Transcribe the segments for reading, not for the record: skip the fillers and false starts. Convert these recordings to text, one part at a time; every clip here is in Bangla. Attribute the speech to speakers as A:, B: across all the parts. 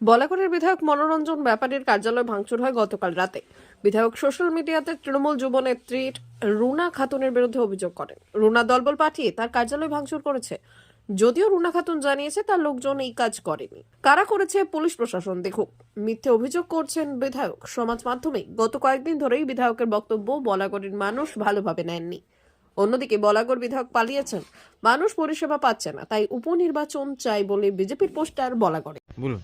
A: বলাগড়ের বিধায়ক মনোরঞ্জন ব্যাপারীর কার্যালয় ভাঙচুর হয় গতকাল রাতে। বিধায়ক সোশ্যাল মিডিয়াতে তৃণমূল যুবনেত্রী রুনা খাতুনের বিরুদ্ধে অভিযোগ করেন রুনা দলবল পাঠিয়ে তার কার্যালয় ভাঙচুর করেছে। যদিও রুনা খাতুন জানিয়েছে তার লোকজন এই কাজ করেনি। কারা করেছে পুলিশ প্রশাসন দেখুক। মিথ্যে অভিযোগ করছেন বিধায়ক সমাজ মাধ্যমে। গত কয়েকদিন ধরেই বিধায়কের বক্তব্য বলাগড়ের মানুষ ভালোভাবে নেননি। অন্যদিকে বলাগড় বিধায়ক পালিয়েছেন, মানুষ পরিষেবা পাচ্ছে না, তাই উপনির্বাচন চাই বলে বিজেপির পোস্টার বলাগড়ে।
B: বলুন,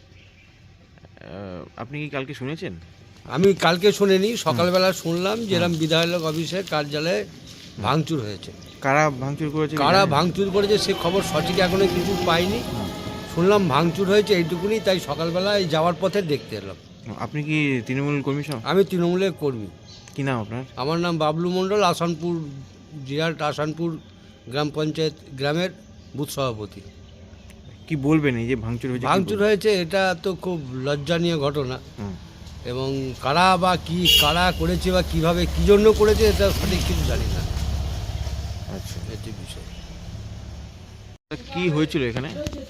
B: আপনি কি কালকে শুনেছেন?
C: আমি কালকে শুনিনি, সকালবেলা শুনলাম যে এরকম বিধায়ক অফিসের কার্যালয়ে ভাঙচুর হয়েছে।
B: কারা ভাঙচুর করেছে?
C: কারা ভাঙচুর করেছে সে খবর সঠিক এখনো কিছু পাইনি। শুনলাম ভাঙচুর হয়েছে এইটুকুনি, তাই সকালবেলা এই যাওয়ার পথে দেখতে এলাম।
B: আপনি কি তৃণমূল কর্মী?
C: আমি তৃণমূলের কর্মী।
B: কি নাম আপনার?
C: আমার নাম বাবলু মণ্ডল, আসানপুর জিরাট আসানপুর গ্রাম পঞ্চায়েত গ্রামের বুথ সভাপতি।
B: কি বলবেন এই যে ভাঙচুর হয়েছে?
C: ভাঙচুর হয়েছে, এটা তো খুব লজ্জানীয় ঘটনা। এবং কারা বা কি কারা করেছে বা কিভাবে কি জন্য করেছে এটা সঠিক কিছু জানি না।
B: আচ্ছা,
C: এটি বিষয়।
B: কি হয়েছিল এখানে?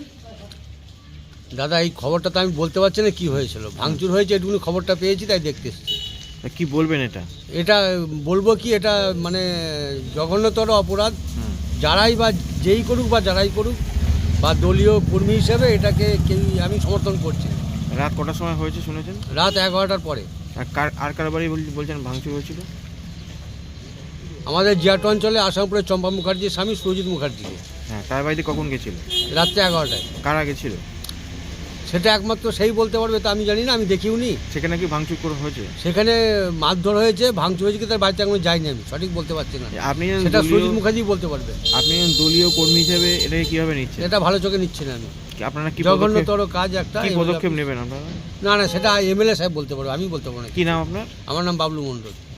C: দাদা এই খবরটা তো আমি বলতে পারছি না কি হয়েছিল। ভাঙচুর হয়েছে এটুকুনি খবরটা পেয়েছি, তাই দেখতে এসেছি।
B: কি বলবেন এটা?
C: এটা বলবো কি, এটা মানে জঘন্যতর অপরাধ। যারাই বা যেই করুক বা যারাই করুক বা দলীয় কর্মী হিসেবে এটাকে আমি সমর্থন করছি।
B: রাত কটার সময় হয়েছে শুনেছেন?
C: রাত 11টার পরে।
B: আর কার বাড়ি বলছেন ভাঙচুর হয়েছিল?
C: আমাদের জিয়াট অঞ্চলে আসামপুরের চম্পা মুখার্জির স্বামী সুরজিৎ মুখার্জিকে।
B: হ্যাঁ, তার বাড়িতে কখন গেছিল?
C: রাত্রে 11টায়।
B: কারা গেছিল
C: সেটা একমাত্র সেই বলতে পারবে, তা আমি জানি না, আমি দেখিও নি।
B: সেখানে কি ভাঙচুর করে হয়েছে?
C: সেখানে মারধর হয়েছে, ভাঙচুর হয়েছে, কি তার বাড়িতে এখনো যাইনি, আমি সঠিক বলতে পারছি না।
B: আপনি
C: সেটা সুরজিৎ মুখার্জি বলতে পারবে।
B: আপনি দলীয় কর্মী হিসেবে এটাকে কিভাবে নিচ্ছেন?
C: এটা ভালো চোখে নিচ্ছি না আমি।
B: আপনারা কি
C: জঘন্যতর কাজ একটা।
B: কি পদক্ষেপ নেবেন আপনারা?
C: না না, সেটা এমএলএ সাহেব বলতে পারবে, আমি বলতে পারবো না।
B: কি নাম আপনার?
C: আমার নাম বাবলু মণ্ডল।